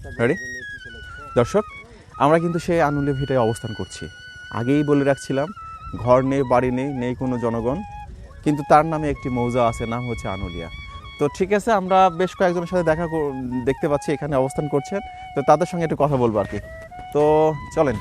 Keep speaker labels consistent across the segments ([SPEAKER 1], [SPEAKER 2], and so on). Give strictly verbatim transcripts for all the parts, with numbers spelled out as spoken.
[SPEAKER 1] Ready দর্শক, আমরা কিন্তু সেই আনুলিয়া ভিটায় অবস্থান করছি। আগেই বলে রাখছিলাম, ঘর নেই, বাড়ি নেই, নেই কোনো জনগণ, কিন্তু তার নামে একটি মৌজা আছে, নাম হচ্ছে আনুলিয়া। তো ঠিক আছে, আমরা বেশ কয়েকজনের সাথে দেখা দেখতে পাচ্ছি এখানে অবস্থান করছেন, তো তাদের সঙ্গে একটু কথা বলবো আর কি। তো চলেন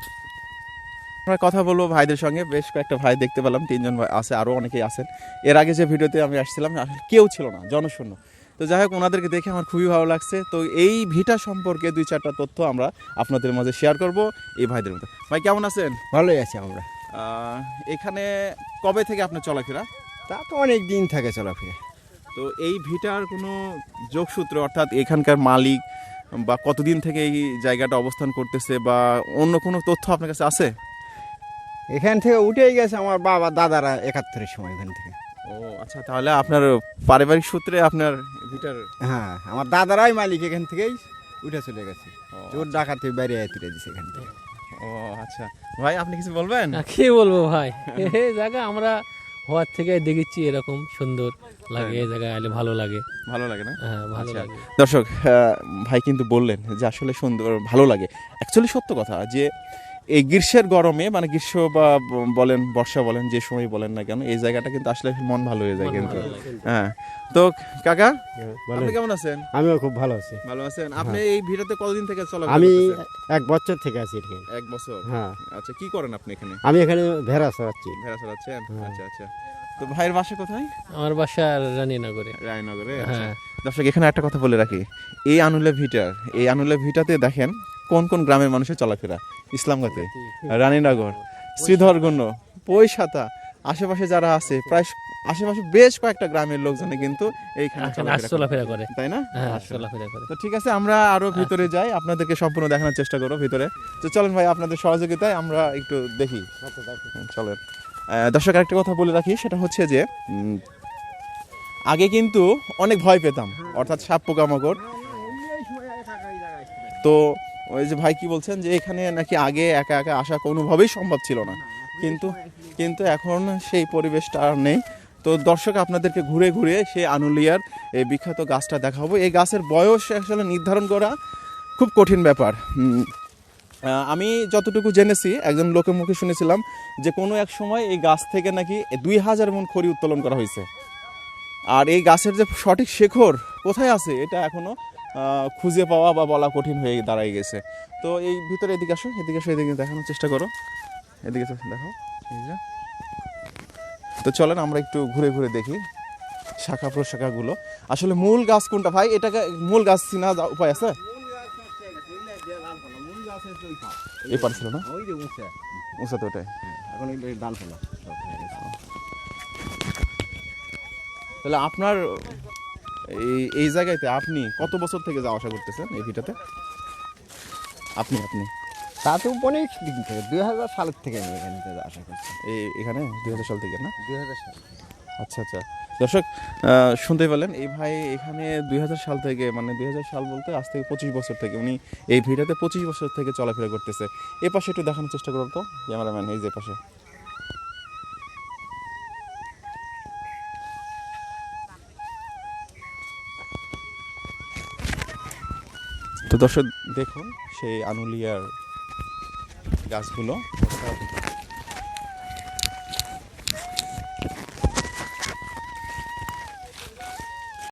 [SPEAKER 1] আমরা কথা বলবো ভাইদের সঙ্গে। বেশ কয়েকটা ভাই দেখতে পেলাম, তিনজন ভাই আছে, আরও অনেকেই আছেন। এর আগে যে ভিডিওতে আমি আসছিলাম কেউ ছিল না, জনশূন্য। তো যাই হোক, ওনাদেরকে দেখে আমার খুবই ভালো লাগছে। তো এই ভিটা সম্পর্কে দুই চারটা তথ্য আমরা আপনাদের মাঝে শেয়ার করব এই ভাইদের মধ্যে। ভাই কেমন আছেন?
[SPEAKER 2] ভালোই আছি আমরা।
[SPEAKER 1] এখানে কবে থেকে আপনার চলাফেরা?
[SPEAKER 2] তা তো অনেক দিন থাকে চলাফেরা।
[SPEAKER 1] তো এই ভিটার কোনো যোগসূত্র, অর্থাৎ এখানকার মালিক বা কতদিন থেকে এই জায়গাটা অবস্থান করতেছে বা অন্য কোনো তথ্য আপনার কাছে আছে?
[SPEAKER 2] এখান থেকে উঠেই গেছে আমার বাবা দাদারা একাত্তরের সময় এখান থেকে।
[SPEAKER 1] ও আচ্ছা, তাহলে আপনার পারিবারিক সূত্রে আপনার ভিটার?
[SPEAKER 2] হ্যাঁ, আমার দাদারাই মালিক, এখান থেকেই উঠে চলে গেছে। চোর ডাকাতি বাইরে তুলে দিছে এখান থেকে।
[SPEAKER 1] ও আচ্ছা, ভাই আপনি কিছু বলবেন?
[SPEAKER 3] কি বলবো ভাই, এই জায়গা আমরা হওয়ার থেকে দেখেছি, এরকম সুন্দর লাগে। এই জায়গায় আলে ভালো লাগে।
[SPEAKER 1] ভালো লাগে না?
[SPEAKER 3] হ্যাঁ, ভালো
[SPEAKER 1] আচ্ছা
[SPEAKER 3] লাগে।
[SPEAKER 1] দর্শক, ভাই কিন্তু বললেন যে আসলে সুন্দর, ভালো লাগে। অ্যাকচুয়ালি সত্য কথা যে এই গ্রীষ্মের গরমে, মানে গ্রীষ্ম বা বলেন বর্ষা বলেন, যে সময় বলেন না কেন, এই জায়গাটা কিন্তু আসলে মন ভালো হয়ে যায় কিন্তু। হ্যাঁ, তো কাকা আপনি কেমন আছেন?
[SPEAKER 2] আমিও খুব ভালো আছি।
[SPEAKER 1] ভালো আছেন? আপনি এই ভিটাতে কতদিন থেকে চলাফেরা
[SPEAKER 2] আমি
[SPEAKER 1] করতেছেন?
[SPEAKER 2] এক বছর থেকে আছি এখানে।
[SPEAKER 1] এক বছর?
[SPEAKER 2] হ্যাঁ।
[SPEAKER 1] আচ্ছা, কি করেন আপনি এখানে?
[SPEAKER 2] আমি এখানে ভেড়া চড়াচ্ছি।
[SPEAKER 1] ভেড়া চড়াচ্ছেন? আচ্ছা আচ্ছা। তো ভাইয়ের বাসা কোথায়?
[SPEAKER 3] আমার বাসা রানীনগরে।
[SPEAKER 1] রায়নগরে?
[SPEAKER 3] হ্যাঁ।
[SPEAKER 1] দর্শক, এখানে একটা কথা বলে রাখি, এই আনুলিয়া ভিটার, এই আনুলিয়া ভিটাতে দেখেন কোন কোন গ্রামের মানুষের চলাফেরা। ইসলামগাতে, রানীনগর, শ্রীধরগণ্য, পৈশাতা, আশেপাশে যারা আছে, প্রায় আশেপাশে বেশ কয়েকটা গ্রামের লোকজনে কিন্তু এইখানে
[SPEAKER 3] চলাফেরা করে,
[SPEAKER 1] তাই না?
[SPEAKER 3] হ্যাঁ, চলাফেরা করে।
[SPEAKER 1] তো ঠিক আছে, আমরা আরো ভিতরে যাই, আপনাদেরকে সম্পূর্ণ দেখানোর চেষ্টা করবো ভিতরে। তো চলেন ভাই, আপনাদের সহযোগিতায় আমরা একটু দেখি। চলেন দর্শক, আরেকটা কথা বলে রাখি, সেটা হচ্ছে যে উম, আগে কিন্তু অনেক ভয় পেতাম, অর্থাৎ সাপ পোকামাকড়। তো ওই যে ভাই কি বলছেন যে এখানে নাকি আগে একা একা আসা কোনোভাবেই সম্ভব ছিল না, কিন্তু কিন্তু এখন সেই পরিবেশটা আর নেই। তো দর্শক, আপনাদেরকে ঘুরে ঘুরে সেই আনুলিয়ার এই বিখ্যাত গাছটা দেখাবো। এই গাছের বয়স আসলে নির্ধারণ করা খুব কঠিন ব্যাপার। আমি যতটুকু জেনেছি, একজন লোকের মুখে শুনেছিলাম যে কোনো এক সময় এই গাছ থেকে নাকি দুই হাজার মণ খড়ি উত্তোলন করা হয়েছে। আর এই গাছের যে সঠিক শেকড় কোথায় আছে, এটা এখনো খুঁজে পাওয়া বা বলা কঠিন হয়ে দাঁড়ায় গেছে। তো এই ভিতরে এদিকে আসো, এদিকে আসো, এদিকে দেখানোর চেষ্টা করো, এদিকে দেখো এই যে। তো চলেন আমরা একটু ঘুরে ঘুরে দেখি শাখা প্রশাখাগুলো। আসলে মূল গাছ কোনটা ভাই? এটাকে মূল গাছ চিনা উপায় আছে? এই পারছিল না, উঁচা তো ওটাই। তাহলে আপনার এই এই জায়গাতে আপনি কত বছর থেকে যাওয়া আসা করতেছেন এই ভিটাতে? আপনি আপনি
[SPEAKER 2] তা তো অনেক দিন থেকে, দুই হাজার সালের থেকে আমি এখানে আশা করছি।
[SPEAKER 1] এই এখানে দুই হাজার সাল থেকে না?
[SPEAKER 2] দুই হাজার সাল।
[SPEAKER 1] আচ্ছা আচ্ছা। দর্শক, শুনতে পেলেন, এই ভাই এখানে দুই হাজার সাল থেকে, মানে দুই হাজার সাল বলতে আজ থেকে পঁচিশ বছর থেকে উনি এই ভিটাতে পঁচিশ বছর থেকে চলাফেরা করতেছে। এ পাশে একটু দেখানোর চেষ্টা করো তো ক্যামেরাম্যান, এই যে পাশে। তো দর্শক দেখুন সেই আনুলিয়ার গাছগুলো।